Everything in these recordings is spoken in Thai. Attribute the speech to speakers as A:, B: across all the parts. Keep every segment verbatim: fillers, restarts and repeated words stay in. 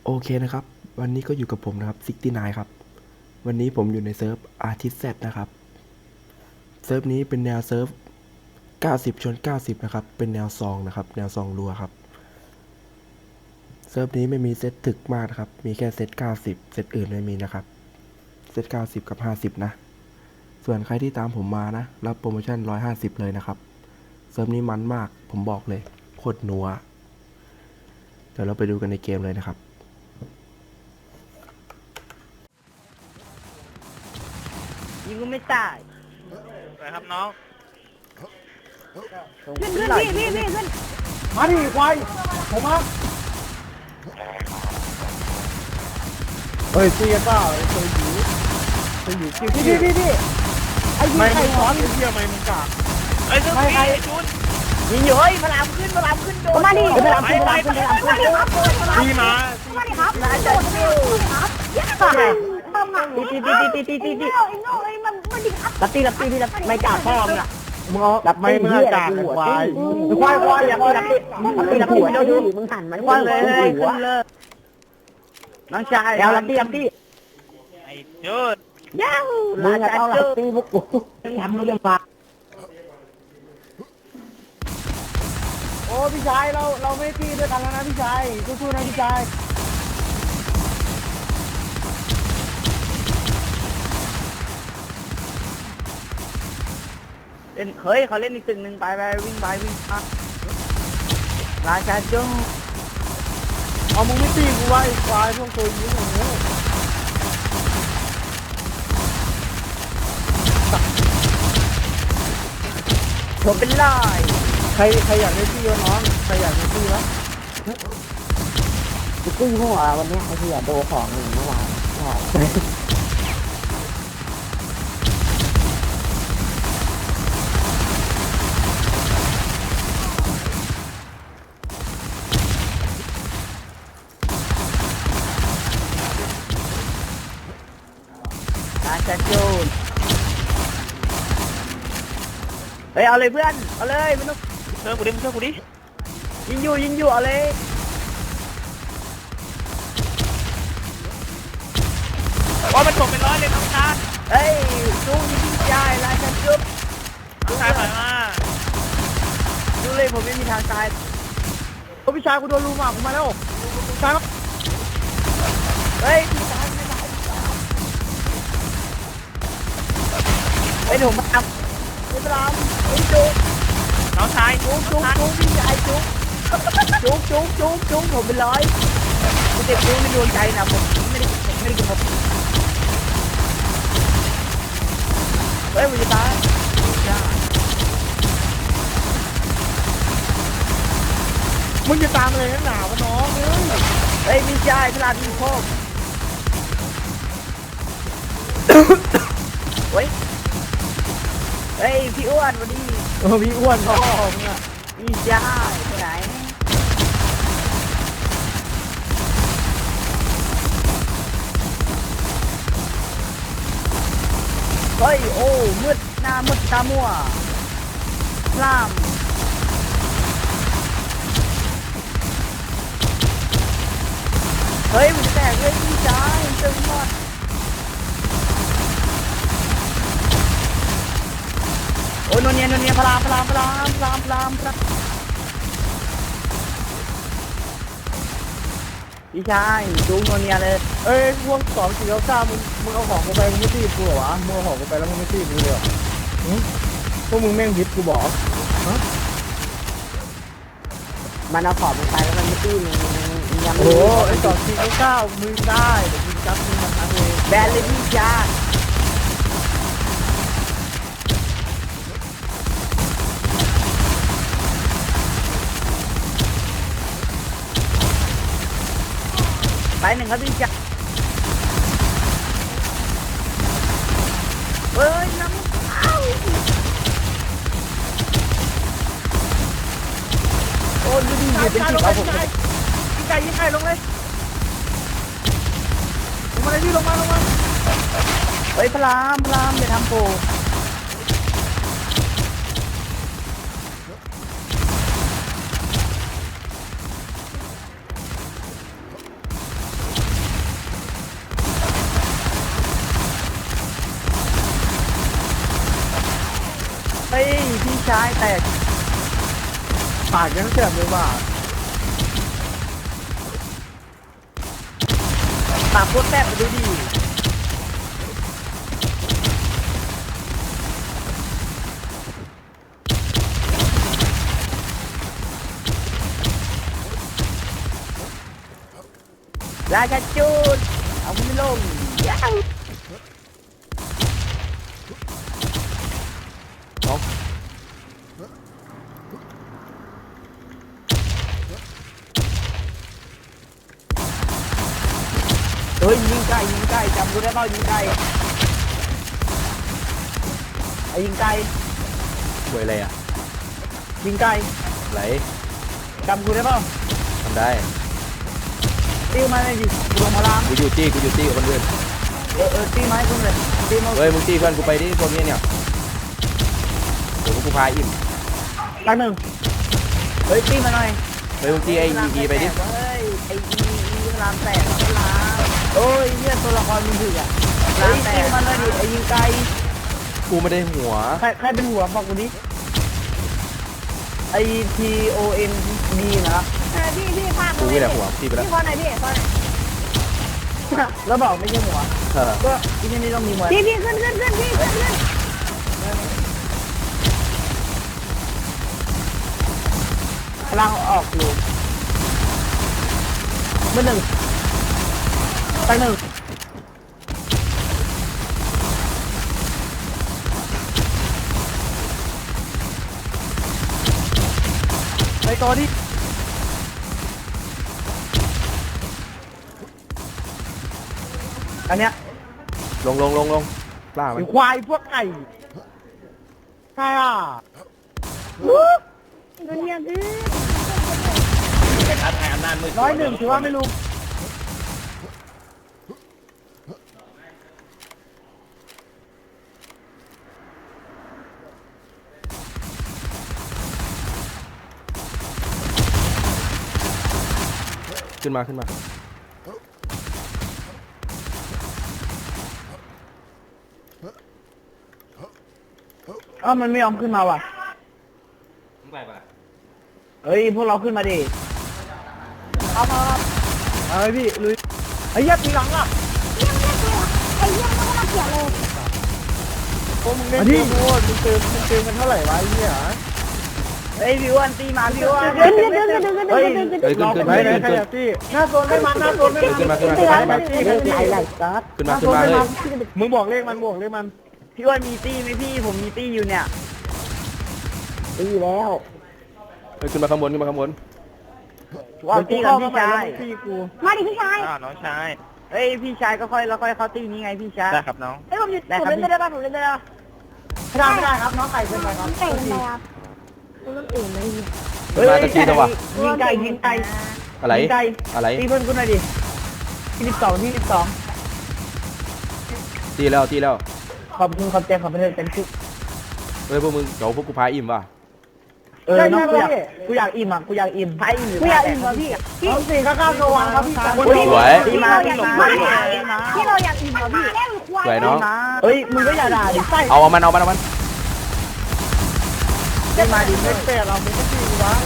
A: โอเคนะครับวันนี้ก็อยู่กับผมนะครับซิกตี้ไนน์ครับวันนี้ผมอยู่ในเซิร์ฟอาร์ติสเซตนะครับเซิร์ฟนี้เป็นแนวเซิร์ฟเก้าสิบชนเก้าสิบนะครับเป็นแนวซองนะครับแนวซองรัวครับเซิร์ฟนี้ไม่มีเซตถึกมากนะครับมีแค่เซตเก้าสิบเซตอื่นไม่มีนะครับเซตเก้าสิบกับห้าสิบนะส่วนใครที่ตามผมมานะรับโปรโมชั่นหนึ่งร้อยห้าสิบเลยนะครับเซิร์ฟนี้มันมากผมบอกเลยโคตรนัวเดี๋ยวเราไปดูกันในเกมเลยนะครับ
B: ยิงก็ไม่ตาย
C: ไปครับน้อง
B: ขึ้นขึ้นพี่พี่พี่ขึ้น
D: มาดิควายผมมาเฮ้ยตีกันเปล่าไอ้ตัวหยูตัวหยูคิวพี่พี่พี่ไอ้ยิงไข่ร้อนไอ้เหี้ยไม่มึงกาก
C: เอ้ยซึ่งพี่ชุด
B: ยิงอยู่เฮ้ยพลามขึ้นพลามขึ้นโดนมาดิพลามขึ้นพลามขึ้นพลามขึ้น
C: พี่มา
B: มาดิครับมาดิครับยัดเข้าไปตีตีตีตีตีตีลับตีลับตีพี่ลับไม่กล้าพ่อมึงอ่ะ
D: มึงเอาไม่มึงกากควาย
B: ควายควายอย่าตีลับตีลับตีลับตีเดี๋ยวดูมึงหันมันควายเลยขึ้นเลยน้องชายแล้วลับตีลับตี
C: ไอ้ชุด
B: ย้าวลาจัดจูตีพวกกูทำเรื่องฟ้า
D: โอ้พี่ชายเราเราไม่ตีด้วยกันแล้วนะพี่ชายสู้ๆนะพี่ชาย
B: เล่นเฮ้ยเขาเล่นอีกตึกหนึ่งไปไปวิ่งไปวิ่งมาราชาจุ้ง
D: เอามึงไม่ตีกูไว้ควายพวกตัวยิงโอ้โห
B: ผมเป็นลาย
D: ใครใครอยากได้ตีวะน้องใครอยากได้ตีวะ
B: กูตีหัววันนี้ไอ้เหี้ยโดของหนึ่งเมื่อวานราชาจุ้งเฮ้ยเอาเลยเพื่อนเอาเลยไม่ต้อง
C: เชื่อกูดิมึงเชื่อกูดิ
B: ยิงอยู่ยิงอยู่เอาเลย
C: ว่ามันตกเป็นร้อยเลยน้องชาย
B: เฮ้ยจุ้งยิงใหญ่ราชาจุ้ง
C: น้องชายถอยมา
B: ดูเลยผมไม่มีทางตาย
D: โอ้พี่ชายกูโดนลูมอ่ะผมมาแล้วชาย
B: เฮ้ยพี่ตายไม่ตายเฮ้ยผมมาทำไม่เป็นไรเฮ้ยจุ๊ก
C: น้องชาย
B: จุ๊กจุ๊กจุ๊กพี่ใหญ่จุ๊กจุ๊กจุ๊กจุ๊กจุ๊กผมเป็นร้อยผมเจ็บจุ๊กในดวงใจนะผมไม่ได้ผมไม่ได้กินผมเฮ้ยผมจะตาย
D: มึงจะตามอะไรนักหนาวะน้องเอ้ย
B: เฮ้ยพี่ชายพลาดพี่โคกเฮ้ยเฮ้ยพี่อ้วนวันนี้
D: เออพี่อ้วนพ่อมึงอ่ะ
B: พี่ชายไปไหนเฮ้ยโอ้มืดหน้ามืดตามัวล่ามเฮ้ยมันจะแตกเลยพี่ชายตึงหมดโอ้ยนนเนียนนเนียพลามพลามพลามพลามพลามพลามพี่ชายจูงนนเนียเลย
D: เอ้ยพวกสองสี่เก้าเก้ามึงมึงเอาของกูไปมึงไม่ตีกูเหรอวะมึงเอาของกูไปแล้วมึงไม่ตีกูเลยเหรอหึพวกมึงแม่งยึดกูบอกฮะ
B: มันเอาของมันไปแล้วมันไม่ตีมันยัง
D: โอ้
B: ไม่
D: โหไอ้สองสี่เก้าเก้ามึงได้เดี๋ยวมึงจับมึงมันนะเอง
B: แบนเลยพี่ชายไปหนึ่งครับพี่ชายเฮ้ยน้ำเข้าโอ้ยดูดิอยู่เป็นสิบเอาผม
D: ยิงไก่ยิงไก่ลงเลยลงมาเลยพี่ลงมาลงมา
B: เฮ้ยพลามพลามอย่าทำโปชายแตก
D: ปากยังแสบเลยว่ะ
B: ปากโคตรแซ่บดูดิราชาจูดเอาไม่ลงยัง
A: เอา
B: เฮ้ยยิงไก่ยิงไก่จำกูได้เปล่ายิงไก่ไอ้ยิงไก่
A: หวยอะไรอ่ะ
B: ยิงไก่
A: ไหล
B: จำกูได้เปล่า
A: ทำได้
B: ตีมาเลยดิกูลงมาล้าง
A: กูอยู่ตี้กูอยู่ตี้กับเพื่อน
B: เออเออตีมาให้กูเลยตีมา
A: เฮ้ยมึงตี้เพื่อนกูไปดิพวกนี้เนี่ยเดี๋ยวกูพาอิ่ม
B: ตั้งหนึ่งเฮ้ยตีมาหน่อย
A: เฮ้ยมึงตี้ไอ้อีอีไปดิ
B: เฮ้ยไอ้อีอีรามแตกรามโอ้ยเนี่ยตัวละครมึงถึกอ่ะรามแตกมาเลยดิไอ้ยิงไก่
A: กูไม่ได้หัว
B: ใครใครเป็นหัวบอกกูดิไอ T O N D นะ
E: เออพี่พี่พา
A: กูนี่แหละหัวตี้ไปแล้ว
E: พี่พอไหนพี่พอไหน
B: แล้วบอกไม่ใช่หัว
A: เออ
B: ก็ที่นี่ต้องมีหัว
E: พี่พี่ขึ้นขึ้นขึ้นพี่ขึ้นขึ้น
B: พลังออกอยู่เมื่อหนึ่งตั้งหนึ่งไปตัวที่อันเนี้ย
A: ลงลงลงลงล่ามัน
B: ไอ้ควายพวกไก่ใช่อ่ะ
E: โดนเนี่ยพี่
C: เป็นท้าทายอำนาจมืด
B: ร้อยหนึ่งถือว่าไม่รู้
A: ขึ้นมาขึ้นมา
B: เอ้ามันไม่ยอมขึ้นมาว่ะ
C: ไปปะ
B: เฮ้ยพวกเราขึ้นมาดิเอามาเอาไปพี่ลุยไอ้เหี้ยับทีหลังอ่ะ
E: เยี่ยมเยี่ยมเลยไอ้เยี่ยมมันก็มาเกลียดเลย
D: โอ้มึงเล่นเกมโคตรมึงเติมมึงเติมกันเท่าไหร่วะไอ้เหี้ย
B: เฮ้ยพี่อ้วนตีมาพี่อ้วน
E: เดินเดินเดินเดินเดินเดินเดินเดิน
A: เฮ้ยขึ้นขึ้น
D: ไหน
A: ขึ้น
D: ไหน
A: ขึ้น
D: ใคร
A: ขึ้น
D: อยากตี้หน้าโซนไม่มันหน้าโซนไม่มัน
A: ขึ้นมาขึ้นมา
E: เตือน
D: ไปตี้ไปตี้
B: ไหลซัด
A: ขึ้นมาขึ้นมาเฮ้ย
D: มึงบอกเลขมันบอกเลขมัน
B: พี่อ้วนมีตี้ไหมพี่ผมมีตี้อยู่เนี่ยตี้แล้ว
A: เฮ้ยขึ้นมาข้างบนขึ้นมาข้างบน
B: ว่าตี้กับพี่ชาย
D: ตี้กู
E: มาดิพี่ชาย
C: อ้าวน้องชาย
B: เฮ้ยพี่ชายก็ค่อยแล้วค่อยเข้าตี้นี้ไงพี่ชาย
C: ได้ครับน้อง
E: เฮ้ยผมหยุดผมเล่นได้ป่ะผมเล่นได้ป่ะ
B: ไม่ได้ไม่ได้ครับน้องไก่เป็นไงครับ
E: ไก่เป็นไงครับผมต้องอื่นเลย
A: ขึ้นมาตะกี้ตัววะ
B: ยิงไก่ยิงไก่
A: อะไร
B: ยิงไก่
A: อะไร
B: ตีเพื่อนกูหน่อยดิที่สิบสองที่สิบสอง
A: ตีแล้วตีแล้ว
B: ขอบคุณขอบใจขอบคุณเต็มที่
A: เฮ้ยพวกมึงเดี๋ยวพวกกูพาอิ่มว่ะ
B: เออน้องกูอยากกูอยากอิ่มอ่ะกูอยากอิ่มไพ่อิ่ม
E: กูอยากอิ่มเหรอพี่พี่
B: น้องสี่ก็เก้าโซวันครับพี่
A: สวย
B: ดีมาดีมาดีมาดีมา
E: พี่เราอยากอิ่มเหรอพี่
A: สวยเนาะ
B: เฮ้ยมึงก็อย่าด่าดิไส้
A: เอาเอามันเอามันเอามัน
B: ดีมาดิ
D: เลขแปดเรามึงก็ตี้กูวะ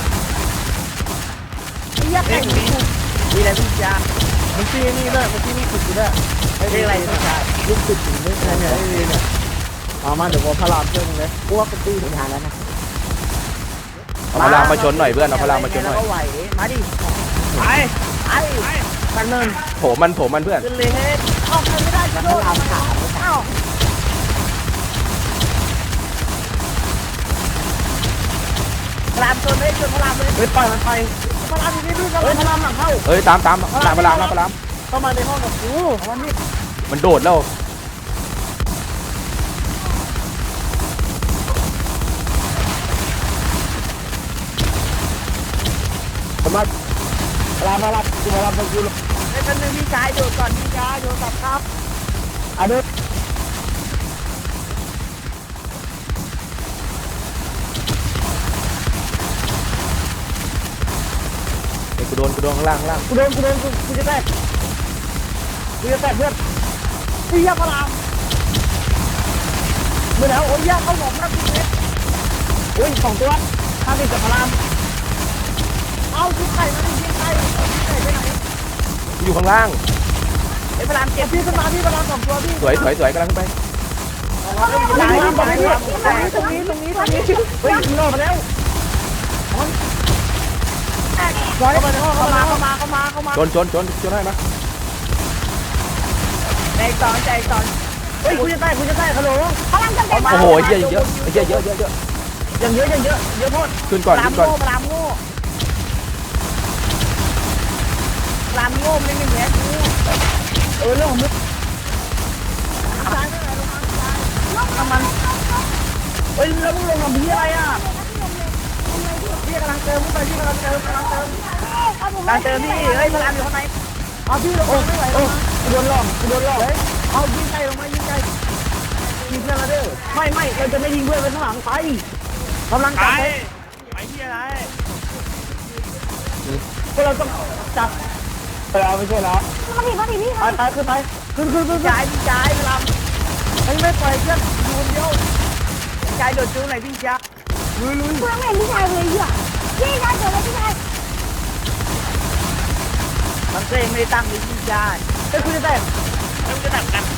E: เยี่ยมเลย
B: ดีเลยพี่จ้า
D: มึงตี้นี่ด้วยมึงตี้นี่ขุดกูด้วย
B: เรียกอะไรพี่จ้า
D: ลูกขุดอยู่ไม่ใช่เนี่ยไอ้นี่เนี่ยเอามาเดี๋ยวกูพลามเพิ่มเลย
B: กูว่าเป็นตีถึงทานแล้วนะ
A: เอาพลังมาชนหน่อยเพื่อนเอาพลังมาชนหน่อย
B: ก็ไหวมาดิไปไอ้ตันเนิน
A: โถมมันโถมมันเพื่อน
B: ขึ้นเลยเฮ้ยออกไม่ได้จะโดนขาเอ้าพลามชนเลยชนพลามเลยเฮ้ยปล่อยมันไปพลามอยู่นี่พี่เฮ้ยพลามหลังเข้า
A: เฮ้ยตามตามตามพลังตามพลัง
D: เข้ามาในห้องกับกู
B: วันนี้
A: มันโดดแล้ว
B: ผมมาพลามมารับกูมารับกูเลยไอ้คนนึงพี่ชายโดดก่อนพี่ชายโดดตับครับอ่ะเด้อ
A: เฮ้ยกูโดนกูโดนข้างล่างข้างล่าง
B: กูโดนกูโดนกูกูจะแตกกูจะแตกเพื่อนเฮียพลามเมื่อแล้วโอ้ยยาเข้าหมอกนะพี่เล็กอุ้ยสองตัวห้าสิบกับพลาม
E: เอาคือไข่มาดิยิงไข่ไข่ไปไหน
A: อยู่ข้างล่าง
B: ไอ้พลามเก็บ
E: พี่ขึ้นมาพี่ประมาณสองตัวพี่
A: สวยสวยสวยกำลังขึ้นไป
B: ตาย
E: ตรง
B: ตาย
E: นี้
B: ตาย
E: ตรงนี้ตรงนี้ตรงนี้
B: เฮ้ยยิงโลมาแล้ว
E: ร้อยเข้ามาในห้อง
B: เข้า
E: เข้า
B: มา
E: มา
B: เข้ามาเข้ามาเข้ามา
A: ชนชนชนชนได้ไหม
B: ใจสอนใจสอนเฮ้ยคุณจะได้คุณจะได้ฮัลโหลพลังกันเต็ม
A: โอ้โหเยอะเยอะเยอะเยอะเยอะเยอะ
B: ยังเยอะยังเยอะเยอะโทษ
A: ขึ้นก่อน
B: พลาม
A: ขึ้นก่อน
B: โง่พลามโง่พลามโง่ไม่มีแผลกูเออเรื่องของมึงทำมันเฮ้ยแล้วมึงลงกับพี่อะไรอ่ะ
E: พี่กำลังเติมไปพี่กำลังเติมกำลังเติม
B: ตาเจอพี่เฮ้ยพลามอยู่ข้างใน
E: เอาพี่ลงมาไม่ไหว
B: โอ้กูโดนหลอกกูโดนหลอก
E: เอายิงไก่ลงมายิงไก่
B: ยิงเพื่อนเราเด้อไม่ไม่เราจะไม่ยิงเพื่อนไปข้างหลังไปกำลังจับ
C: ไปที่อะไร
B: พวกเราต้องจับ
D: ไปเอาไม่ใช่แล้ว
E: มาดิมาดิพี่
B: ไปไปขึ้นไปขึ้นขึ้นขึ้นจ่ายจ่ายพลาม
E: ไอ้ไม่ปล่อยเพื่อนอยู่คนเดียว
B: จ่ายโดดจูไหนพี่จ๊ะลุยลุย
E: เพื่อนไม่เห็นพี่ชายเลยอ่ะพี่ชายเกิดอะไรพี่ชาย
B: มันเองไม่ได้ตั้งเลยพี่จ่ายเฮ้ยคุณจะได้
C: เริ่มจะดับกัน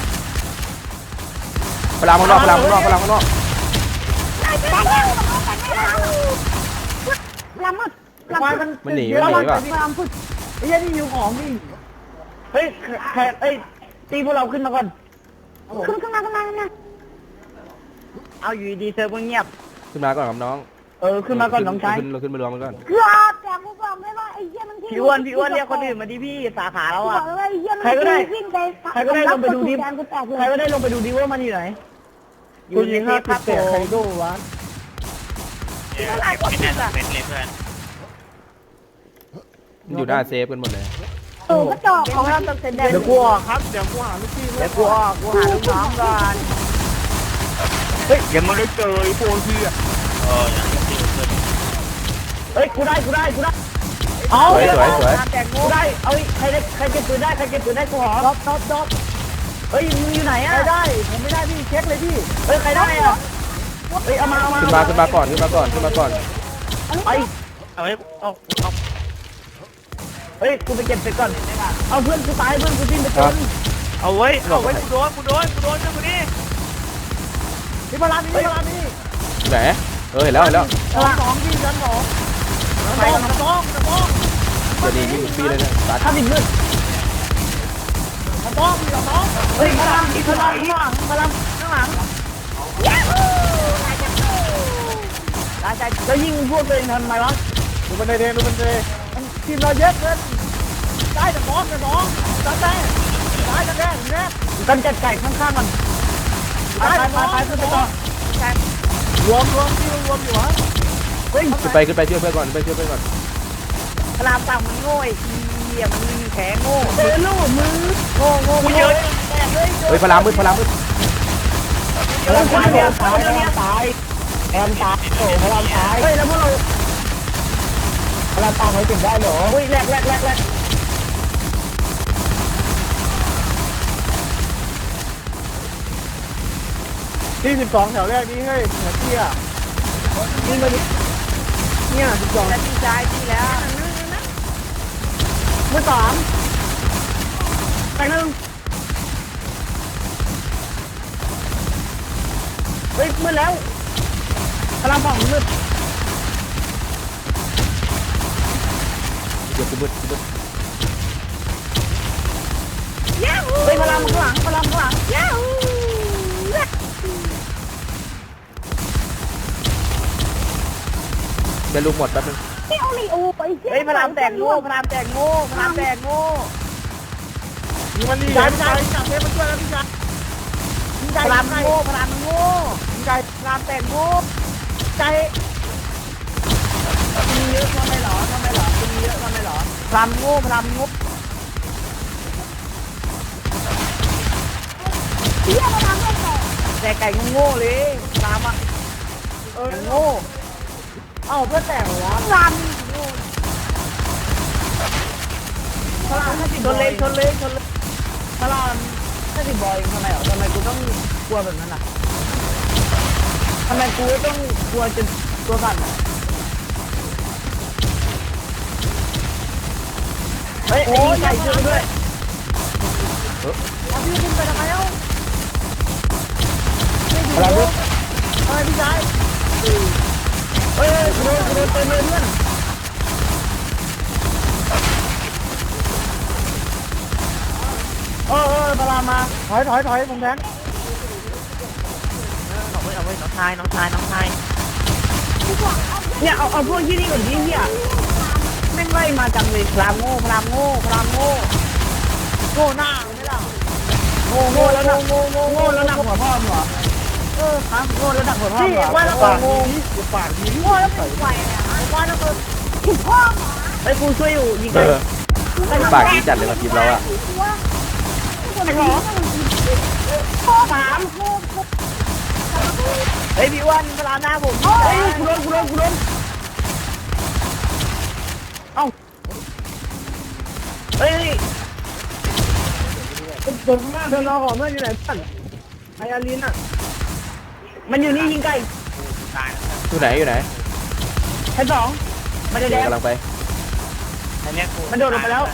A: พลังข้างนอกพลังข้างนอกพลังข้างนอก
E: แต่แล้วแต่แล้วลำมัดลำ
B: ควาย
E: มั
B: มัน
A: มันหนีมันหนีป่ะ
E: ลำพุด
B: ไอ้ยันนี่อยู่ของนี่เฮ้ยแขกเอ้ยตีพวกเราขึ้นมาก่อน
E: ขึ้นขึ้นมาขึ้นมาขึ้นมา
B: เอาอยู่ดีเซิร์ฟเงียบ
A: ขึ้นมาก่อนครับน้อง
B: เออขึ้นมาก่อนน้องชาย
A: ขึ้นขึ้นมารวมกันก่อน
E: เกือบแต่กูบอกไม่ว่าไอ้เหี้ยมัน
B: พี่อ้วนพี่อ้วนเรียกคนอื่นมาดิพี่สาขาเรา
E: บอ
B: อ่ะ
E: กเลยว่าไอ้เหี้ยมัน
B: ใครก็ได้
E: วิ่งไป
B: ใครก็ได้ลงไปดูดิ
E: แทนกูแตกเล
B: ใคร
E: ย
B: ก็ได้ลงไปดูดิว่ามันอยู่ไหนอ
D: กู
B: ยู่ใน
D: ยิง
B: เท
D: ห้า
B: ป
D: สิ
B: ครั
D: บบ เตะ
B: ผ
D: ใคร
B: ม
D: ดูวะ
C: เดี๋ยวไม่แน่นเป็นเลยเพื่อน
A: มันอยู่หน้าเซฟกันหมดเลย
E: เออก็จอกของเราต้องเซ็นแดง
B: เดี๋ยวกูออก
D: ครับเดี๋ยวกูหาลูกพี่
B: เดี๋ยวกูออกกูหาลูกน้องก่อนเฮ้ยยังไม่ได้เจอไอ้พวกพี่อ่ะ
C: เอออย่างที่เพื่อน
B: เฮ้ยกูได้กูได้กูได้เอา
A: สวยสวยสวย
B: แต่กูได้เอาใครได้ใครเก็บปืนได้ใครเก็บปืนได้กูหอ
E: ดอบดอบดอบ
B: เฮ้ยมึงอยู่ไหนอ่ะ
E: ใครได้ผมไม่ได้พี่เช็คเลยพี่
B: เฮ้ยใครได้อ่ะเฮ้ยเอามาเอามา
A: ขึ้นมาขึ้นมาก่อนขึ้นมาก่อนขึ้นมาก่อน
B: ไป
C: เอาไว้เอาเอา
B: เฮ้ยกูไปเก็บเสร็จก่อนเอาเพื่อนกูตายเพื่อนกูสิ้นไปจน
C: เอาไว้เอาไว้กูโดนกูโดนกูโดนเจ้าคนนี้
E: พี่พลานี่พี่พลานี่
A: ไหนเออเห็นแล้วเห็นแล้ว
E: สองสองพี่ชั้นสอง
B: ไปกัน
E: สองสอง
A: เดี๋ยวนี้ยิงปีเลยนะตัด
B: ถ้าดิ้นเลือด
E: สองพี่สอง
B: เฮ้ยพลังพลังข้างหลังพลังข้างหลัง
E: ย้าฮู้
B: ตายใจแล้วยิงพวกตัวเองทำไมวะ
D: ดูมันในเทดูมันใน
E: ทีมเราเยอะเกินได้แต่สองแต่สองจัดได้ได้จัดได้แน่
B: กันจัดไก่ข้างๆมันไปไปไปไปขึ้นไปต่อ
E: รวมรวมที่รวมอยู่วะ
B: เฮ้ย
A: ขึ้นไปขึ้นไปช่วยเพื่อนก่อนไปช่วยเพื่อนก่อน
B: พลังต่างมันโง่ไอ้เหี้ยมันมีแขนโง่เจอลูกมือโง่โง่
C: กูเยอะ
A: เฮ้ยพลังมืดพลังมืด
B: พลังตายพลังตายพลังตายแอมตายโอ้พลังตายเฮ้ยแล้วพวกเราพลังตายเขาติดได้เหรอเฮ้ยแรกแรกแรกแรก
D: ที่สิบสองแถวแรกนี้เฮ้ยหัวเตี้ย
B: ยิงมาดิ
D: เนี่ยสิบสอง
B: แล้วดีใจดีแล้วมือสามไปหนึ่งเฮ้ยมืดแล้วพลังฝั่งมืด
A: เดี๋ยวกูมืดกูมืด
E: ย้าฮู้
B: เฮ้ยพลังข้างหลังพลังข้างหลัง
E: ย้าฮู้
A: เดี๋ยวลูกหมดแป๊บนึง
E: พี่เอาลีโอไป
B: เฮ้ยพลังแตกโง่พลังแตกโง่พลังแตกโง่
D: ยิงมันดี
E: จ่า
D: ยิ
E: ย
D: ง
E: จ่าย
D: มัน
E: จ่ายเทมันช่วยแล้วพี่จ่าย
B: พลังโง่พลังโง่
E: จ่าย
B: พลังแตกโง่
E: จ่าย
B: มีเยอะทำไมหรอทำไมหรอมีเยอะทำไมหรอพลังโง่พลังโง่
E: เหี้ยมาทำให้แตก
B: แต่ไก่โง่เลยพลังอ่ะเออโง่
E: เอ้าเพื่อแตกเหรอวะล
B: พลังถ้าติดชนเลยชนเลยชนเลยพลังถ้าติดบอยทำไมหรอทำไมกูต้องกลัวแบบนั้นอ่ะทำไมกูต้องกลัวจน
E: ตัวสั่น
B: เฮ้ยไอ้ยิงไก่ช่วยด้วย
E: เอาพี่ขึ้นไปทำไมเอ้าไม่ดู
B: อะไรเพื่อน
E: เฮ้ยพี่ชาย
B: เฮ้ยกูโดนกูโดนเต็มเลยเพื่อน
E: เออเออพลามาถอยถอยถอยผมแทง
C: เอาไว้เอาไว้น้องชายน้องชายน้องชาย
B: เนี่ยเอาเอาพวกที่นี่ก่อนดิเนี่ยแม่งไล่มาจังเลยพลามโง่พลามโง่พลามโง่
E: โง่หน้าไม่ล่ะ
B: โง่โง่แล้วหนักโง่โง่โง่แล้วหนักหัวพ่อมึงเหรอ
E: เออ
B: ฮะโง่แล้วหนักหัวพ่อมึงเหรอ
E: ว่าแล้ว
B: ปาก
E: โง่
B: กูปากดี
E: โง่แล้วเป็นไฟอ่ะว่าแล้วก็ถูกพ่อหมา
B: ไอ้กูช่วยอยู่ยิง
A: เอ
B: ไก่
A: อปากดีจัดเลยมาทีมเราอะ
E: ไอ้หรอพ่อสาม
B: เฮ้ยพี่อ้วันเวลาหน้าผมเฮ้ยกูโดนกูโดนกูโดนเอ้าเฮ้ย
E: เดินข้างหน้าเดินรอก่อนเมื่ออยู่ไหนบ้านไออารินอ่ะ
B: มันอยู่นี่ยิงไก่
C: ตายแล้ว
A: อยู่ไหนอยู่ไหน
B: ชั้นสองมันจะแดง
A: กำลังไป
C: อันนี้กู
B: มันโดดลงไปแล้ว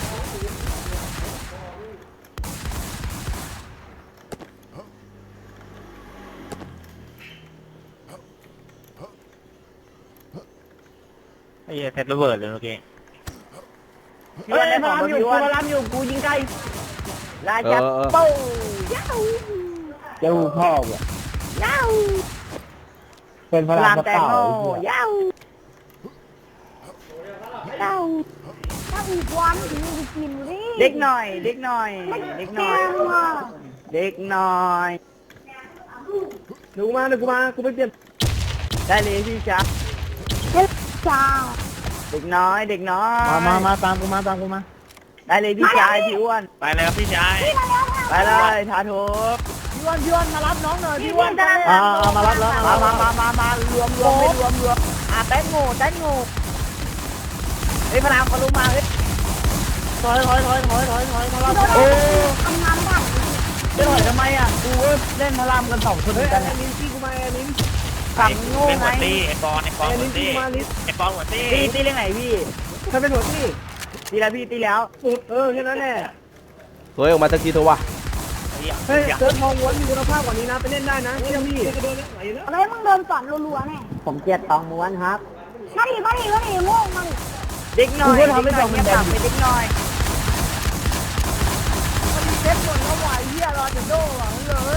C: ไอ้เหี้ยเซตระเบิดเลยเมื่อกี้
B: เฮ้ยพลามอยู่กูพลามอยู่กูยิงไก่ลาจับ
A: เออเออ
B: เป้าเจ้าพ่อว่ะ
E: ย้าว
B: เป็นพ
E: พ
B: ลา
E: ลาม ม
B: ก
E: แต
B: ระ
E: ง
B: เป๋า
E: โมย้าวย้าวถ้าอีกวันถึงจะกินดิ
B: เด็กหน่อย เด็กหน่อย เด็กหน่อย เด็กหน่อย
E: เดี๋ยวกูมาเดี๋ยวกูมากูไปเปลี่ยน
B: ได้เลยพี่จ๊ะ
E: จ้า
B: เด็กน้อย เด็กน้อย
E: มามามาตามกูมาตามกูมา
B: ได้เลยพี่ชายพี่อ้วน
C: ไปเลยครับพี่ชาย
B: ไปเลยทาโท
E: พี่วันพี่วันมารับน้องหน่อยพี่วัน
B: อ่ามารับแล้วมามามามามารวมรวมไม่รวมรวมอ่ะแตงโมแตงโมเฮ้ยพลามเขาลงมาเฮ้ย
E: ถอยถอยถอยถอยถอยถอยมารับ
B: โอ้ทำงานบ้างจะถอยทำไมอ่ะกูก็เล่นพลามกันสองคนเห
E: เฮ้
B: มื
E: ย
B: อนกัน
E: ไอ้
B: เนี่ย
E: ลินซี่กูมาไอ้ลิน
B: ฝั่งโง่
C: เป็น
B: ไง
C: หัวตี้ไอ้ปอนไอ้ปอน
E: ไอ้
C: หั
E: ลิ
C: วน
E: ซี่
C: ตี้
E: กูมาลิน
C: ไอ้ปอนหัวตี้
B: ตีตีเรื่องไหนพี่
E: เธอเป็นหัวที่
B: ตีแล้วพี่ตีแล้ว
E: เออแค่นั้นแหละ
A: เฮ้ยออกมาสักทีเถอะวะ
E: เฮ้ยเซิร์ฟมองวนมีคุณภาพกว่านี้นะไปเล่นได้นะเชื่อพี่
F: อะไรมึงเดินสอนรัวๆเนี่ย
B: ผมเกลียดตองม้วนครับ
F: มาดิมาดิมาดิโง่มาดิ
B: เด็กน้อย
E: กูก็ทำให้
B: เด็กน้อย
E: ตองมันแดง
B: เงียบปากไปเด็กน้อย
E: มันมีเซ็ตหมดแล้ววายเฮียรอจะโดนหลังเลย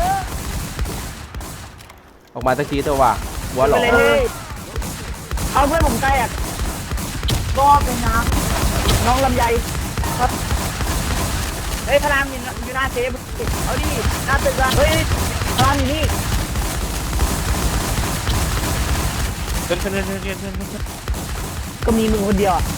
A: ออกมาสักทีเถอะวะหัวหล
B: ไป
A: อก
B: เลยเลยเอาเพื่อนผมใกล้อ่ะ
F: ก็เป็นน้
B: น้องลำไยครับเฮ้ยพลามอยู่อยู่หน้าเซฟเอาดิหน้าตึกอะเฮ้ยพลามอยู่นี่
C: ขึ้นขึ้นขึ้นขึ้นขึ้นขึ้น
B: ก็มีมึงคนเดียวอะ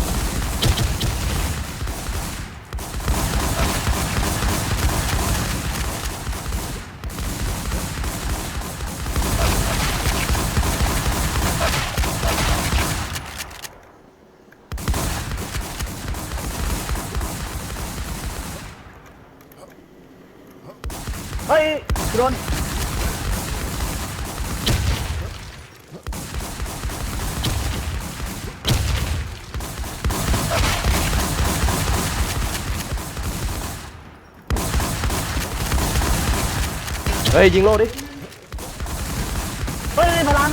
B: เฮ้ยโดน
A: เฮ้ยยิงโลดิ
B: เฮ้ยพลัง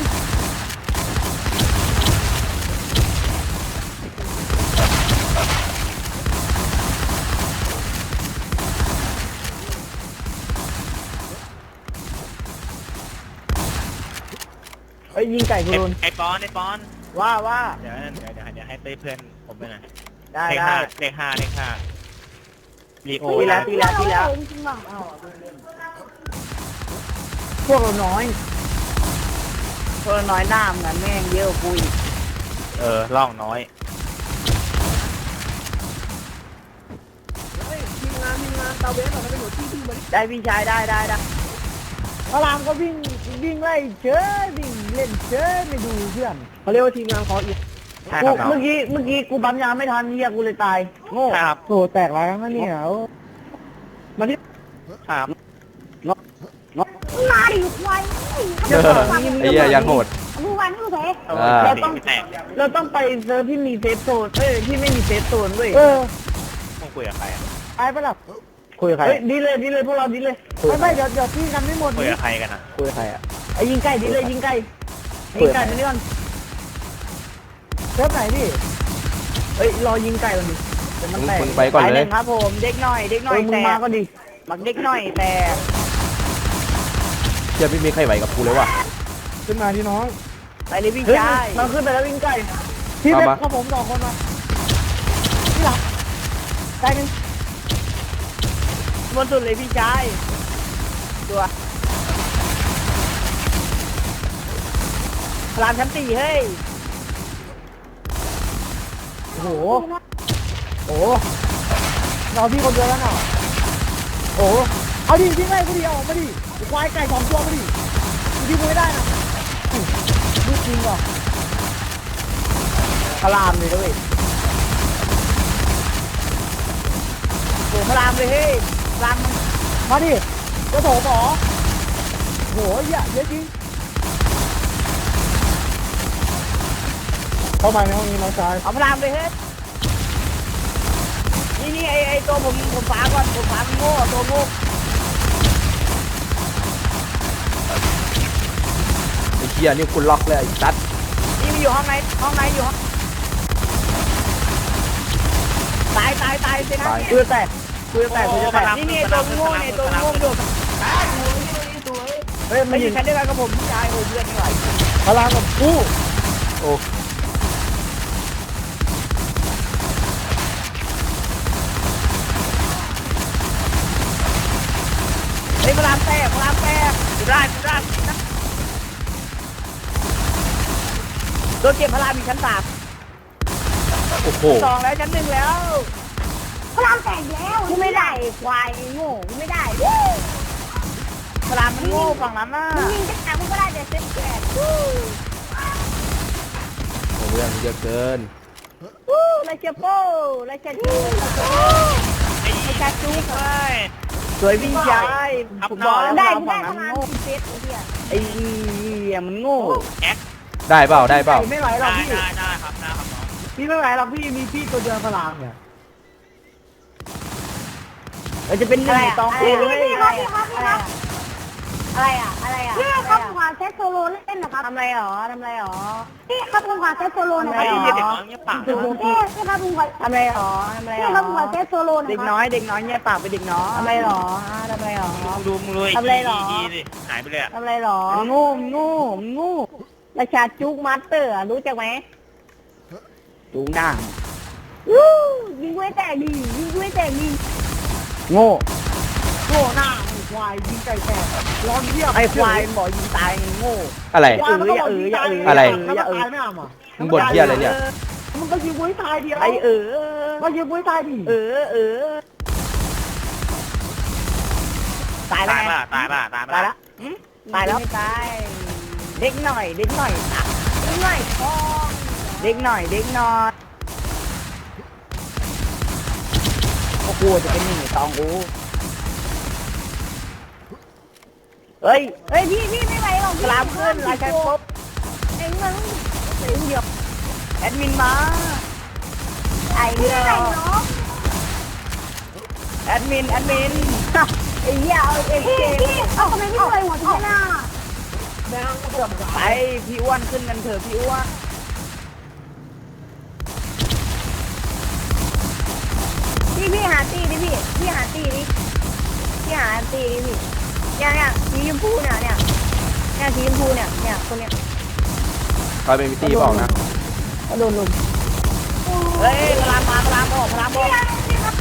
B: เฮ้ยยิงไก่กูโดน
C: ไอ้ปอนไอ้ปอน
B: ว่าว่า
C: เดี๋ยวเดี๋ยวเดี๋ยวเดี๋ยวให้เต้เพื่อนผมไปหน่อย
B: ได้
C: เลข
B: ได้
C: ห้าเลขห้าเลขห้าลีโอ
B: ตีแล้วตีแล้วตีแล้ว
F: จริงๆหรอ
B: พวกเราน้อยพวกเราน้อยหน้าเหมือนแม่งเยอะกว่ากูอีก
C: เออล่องน้อย
E: เฮ้ยทีมงานทีมงานตาเวสเราเป็นหัวที่ที่มาดิ
B: ได้พี่ชายได้ได้ได้
E: พลามก็วิ่งวิ่งไล่เชยวิ่งเล่นเชยไม่ดูเพื่อนเขาเรียกว่าทีมงานคออีก
C: ใช่
B: กู
C: ครับน้อง
B: เมื่อกี้เมื่อกี้กูปั๊มยาไม่ทันเฮียกูเลยตายโง่
C: ใช่ครับ
E: โอ้แตกหลายครั้งแล้วเนี่ยมาที่
C: ครับ
F: มาดิควาย
A: เออไอ้เหี้ยยังโหด
F: มดูวันนี่กูเสก
C: เราต้องแตก
B: เราต้องไปเซิร์ฟที่มีเซฟโซนเอ้ยที่ไม่มีเซฟโซนเว้ย
E: เออ
C: มึงคุยกับใครอ่ะ
E: ไปปะล่ะ
B: คุยกับใครดีเลยดีเลยพวกเราดีเลย
E: ไม่ไม่เดี๋ยวเดี๋ยวพี่กันไม่หมด
C: คุย
E: นี่
C: กับใครกันอ่ะ
B: คุยกับใครอ่ะไอ้ยิงใกล้ดีเลยยิงใกล้ยิงไก่มานี่ก่อน
E: เซิร์ฟไหนพี่
B: เอ้ยรอยิงไก่ก่อนดิเดี๋ยวมันแตก
A: มึงไปก่อนเลย
B: ครับผมเด็กหน่อยเด็กหน่อยมึงมาก็ดิมักเด็กหน่อยแต่
A: เชื่อไม่มีใครไหวกับกูเลยว่ะ
E: ขึ้นมาที่น้อง
B: ไปเลยวิ่งไก่มันขึ้นไปแล้ววิ่งไก่
E: พี่เป็น
A: เอามา
E: ข้าผมสองคนมาพี่หลังใจหนึ่ง
B: บนสุดเลยพี่ชายตัวพลานชั้นสี่เฮ้ย
E: โอ้โหโอ้โหเราพี่คนเดียวแล้วเนาะโอ้โหเอาดิพี่ไงกูดิเอาออกมาดิควายไก่สองตัวมาดิกูดิกูไม่ได้นะดูจริงเหรอ
B: พลามเลยด้วยโอ้พลามเลยเฮ้ยพลาม
E: มาดิกระโถหมอโหเหี้ยเยอะจริงเข้ามาในห้องนี้น้องชาย
B: เอาพลามเลยเฮ้ยนี่นี่ไอไอตัวผมผมฝาก่อนผมฝามันโง่ตัวโง่
A: ไอ้เหี้ยนี่กูล็อกเลยไอ้สัตว์
B: นี่มันอยู่ห้องไหนห้องไหนอยู่ห้องตายตายตายสินะกูจะแตกกูจะแตกกูจะแตกนี่นี่ตัวโง่เนี่ยตัวโง่ดูเฮ้ยมันอยู่ชั้นเดียวกันกับผมพี่ชายโอ้เพื่อนไม่ไหว
E: พลังกับกู
A: โอ้
B: เฮ้ยพลามแตกพลามแตกดูได้ดูได้นะโดนเก็บพลามอีกชั้นสาม
A: โอ้โห
B: สองแล้วชั้นหนึ่งแล้ว
F: พลังแตกแล้วกูไม่ได้ควายโง่กูไม่ได้
B: พลามมันโง่ฝั่งนั้นน่ะ
F: มึงยิงจะแตกกูก็ได้แต่เซ็ตแตก
A: โอ้เรื่องเยอะเกิน
B: วู้ไรเชียโป้ไรเชียจูไรเชียจู
C: เฮ้ย
B: สวยวิ่งชายผมบอกแล้ว
F: ได้
B: พ
F: กู
B: ลา
F: ได้
B: ม
F: ป
B: ฝั่
F: ระ
B: ง
F: มา
B: นั้น
F: ณ
B: โง่
F: สิบเซตไอ้เหี้ย
B: ไอ้เหี้ยมันโง่
A: ได้เปล่าได้เปล่า
E: ไม่ไหวหรอก
C: ได้
E: พี่
C: ได้ได้ครับได้ครับน้อง
E: พี่ไม่ไหวหรอกพี่มีพี่ตัวเดียวพลังเนี่ย
B: เราจะเป็นหนึ่งในตอง
F: พี่
B: เอ้
F: พี่
B: ย
F: ครับพี่ครับพี่ครับอะไรอ่ะอะไรอ่ะพี่ครับผมขอเซตโซโล่เล่นนะครับทำไรหรอทำไรหรอพี่ครับผมขอเซตโซโล่หน่อย
C: ไอ้
F: ครับ
C: เหี้ยเด็กน้อยเงี้ยปาก
F: พี่พี่ครับผมขอ
B: ทำไรหรอทำไร
F: พี่
B: หร
F: ครับผมข
B: อ
F: อเซตโซโล่หน่
B: เด็
F: อย
B: ก
F: ครับ
B: น้อยเด็กน้อยเนี่ยปากไปเด็กน้อย
F: ทำไรหรอทำไรหรอ
C: ดูมึงเลย
F: ทำไรหรอ
C: ดีดิหายไปเลยอ่ะ
F: ทำไรหรอ
B: มันโง่มันโง่มันโง่
F: ราชาจุกมาสเตอร์รู้จักไหม
B: จูงหน้า
F: วู้ยิงด้วยแตกดียิงด้วยแตกดี
B: โง่
E: โง่หน้าไอ้ควายยิงไก่แตกร้อนเยี่ยม
B: ไอ้ควายบอกยิงตายโง่
A: อะไร
E: ควายมันก็บอกยิงตาย
A: อะไร
E: แล้วมันตายไม่เอาอ่ะ
A: มึงบ่นเหี้ยอะไรเนี่ย
E: มันก็ยิงไว้ตายเดียว
B: ไอ้เออ
E: ก็ยิงไว้ตายดิ
B: เออเออตายแล้ว
C: ตาย
B: ไง
C: ป่ะตายป่ะตาย
B: ตาย
C: ป่ะ
B: แล้วตายแล้วตายเด็กหน่อยเด็กหน่อยอ่ะ
F: ยิงหน่อยพอ
B: เด็กหน่อยเด็กหน่อยโอ้โหจะเป็นหนึ่งในสองกูเฮ้ย
F: เฮ้ยพี่พี่ไม่ไหวหรอก
B: กลามขึ้นราชาครบ
F: เอ็งมัน
B: เดียวแอดมินมา
F: ไอ้พี่ไหนเนาะ
B: แอดมินแอดมิน
F: ไอ้เหี้ยเอาเอ็งพี่พี่เอาทำไมพี่ไหวหัวที่หน้า
B: ไปพี่อ้วนขึ้นกันเถอะพี่อ้วน
F: พี่พี่หาตีดิพี่พี่หาตีดิพี่หาตีดิพี่เนี่ยเนี่ยสีชมพูเนี่ยเนี่ยเนี่ยสีชมพูเนี่ยเนี่ยคนเนี้ย
A: ตอนเป็นมิตี้บอกนะ
F: โดนลุม
B: เฮ้ยพลามมาพลามออกพลามออก
F: พี่ครับ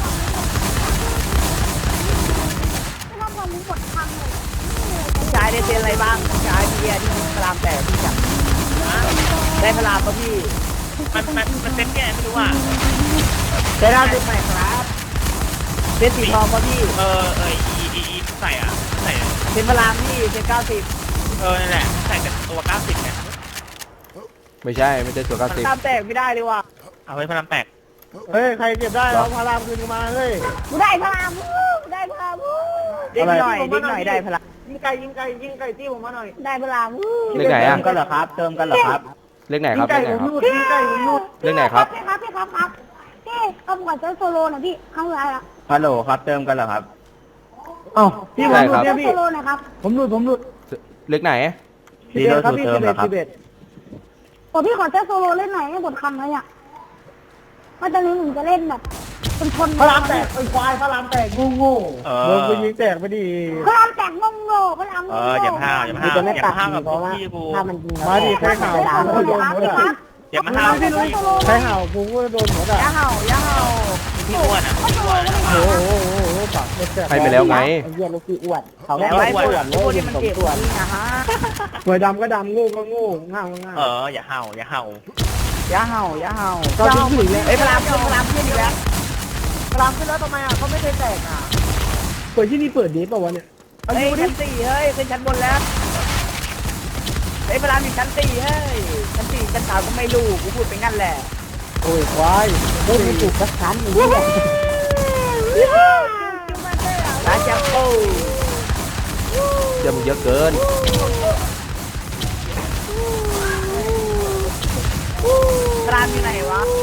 F: พี่ครับผมหมดทางเลย
B: ชายได้เซ็นอะไรบ้างชายพี่เบียร์ที่พลามแตกพี่จับได้พลามป่ะพี่
C: มันมันมันเซ็ตแก่ไม่รู้อ่ะ
B: ได้ล่าสุดใหม่ครับเซ็นสีทองป่ะพี่
C: เออเอออีอีอีใส่อ่ะใส่
B: เซ็นพลามพี่เซ็นเก้าสิบ
C: เออนั่นแหละใส่แต่ตัวเก้าสิบเนี่ย
A: ไม่ใช่ไม่ใช่ตัวเก้า
B: พ
A: สิบ
B: ลามแตกไม่ได้เลยว่ะ
C: เอาไว้พลังแตก
E: เฮ้ยใครเก็บได้เอาพารามคืนมาเฮ้ย
F: กูได้พลามกูได้พลาม
B: เด็กหน่อยเด็กหน่อยได้พลาม
E: ยิงไก่ยิงไก่ยิงไก่ที่ผมมาหน่อย
F: ได้เวลาวู้
A: เลขไหน
B: เติ
A: อะ
B: มกันเหรอครับเติมกันเหรอครับ
A: เลขไหน
E: ยิ
A: ครั
E: ง
A: บเล
E: ไก่
A: ขไหน
E: ผม
A: ครับ
E: รูดยิงไก่ผมรูด
A: เลขไหนครับ
F: พี่ครับพี่ครับครับพี่กำกับเซิร์ฟโซโลหน่อยพี่ครั้งสุดท้ายละ
B: ฮัลโหลครับเติมกันเหรอครับ
E: เอ้าพี่ผมรูด
F: เซิ
E: เนี่ย
F: ร์ฟ
E: พี่
F: โซโลหนะครับ
E: ผมรูดผมรูด
A: เลขไหน
E: สิบเอ็ดครับพี่สิบเอ็ดสิบเอ็ด
F: โอ้พี่ขอเซิร์ฟโซโลเล่นหน่อยให้บทคำเลยเนี่ยว่าตอนนี้หนูจะเล่นแบบเป็นคน
E: พระรามแตกไอ้ควายพระรามแตกงูงู
C: เอ
E: โด
C: อน
E: ไปยิงแตกไปดิ
F: พระรามแตกงงโง่พระรามง
C: เอง อ
F: โง่
C: อย่าห้าวอย่าห้าวอย่าห้าวกับพี่กู
B: ถ้ามันยิง
E: มาดิใครเห่ากูก็โดนหมดอ่ะ
C: อย่ามาห้าวพี่
E: ใครเห่ากูก็โดนหมดอ่ะ
F: อย่าเห่าอย่าเห่า
C: พี่อ้วนอ่ะพี่อ้วน
E: โอ้โหโอ้โหโอ้โหปากไม่แตก
A: ให้ไปแล้วไง
B: ไอ้เหี้ยลูกพี่อ้วนเขา
F: แล้วไอ้พวกพวกที่มันเก็บนี่นะฮะ
E: หวยดำก็ดำงูก็งูง่าวง่าว
C: เอออย่าห้าวอย่าห้าว
F: อย่าเห่าอย่าเห่า
E: ก็ทิ้งถึงแล้ว
F: ไอ้พระรามขึ้นพระรามขึ้นอีกแล้ว
E: พระรามขึ้นแล้วทำไมอ่ะเขาไม่เคยแตกอ่ะเปิดที่นี่เปิดดีป่าวะเนี่ยเอา
F: เฮ้ย
E: ดูดิ
F: ชั้นสี่เฮ้ยขึ้นชั้นบนแล้วไอ้พระรามอยู่ชั้นสี่เฮ้ยชั้นสี่ชั้นสามก็ไม่รู้กูพูดไปงั้นแหละ
E: โอ้ยควาย
B: เล่นไม่ถูกสักครั้งหนึ่งเนี่ย
F: ร้านจัมโบ้
A: เดี๋ยวมึงเยอะเกิน
F: พระรามอยู่ไหนวะ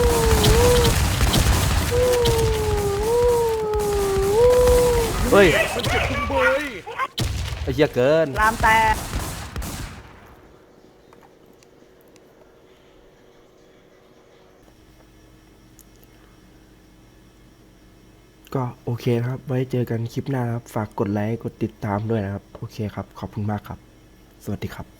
A: เฮ้ยไอ้เหี้ยเกิน
F: พระรามแตก
A: ก็โอเคนะครับ ไว้เจอกันคลิปหน้านะครับ ฝากกดไลค์ กดติดตามด้วยนะครับ โอเคครับ ขอบคุณมากครับ สวัสดีครับ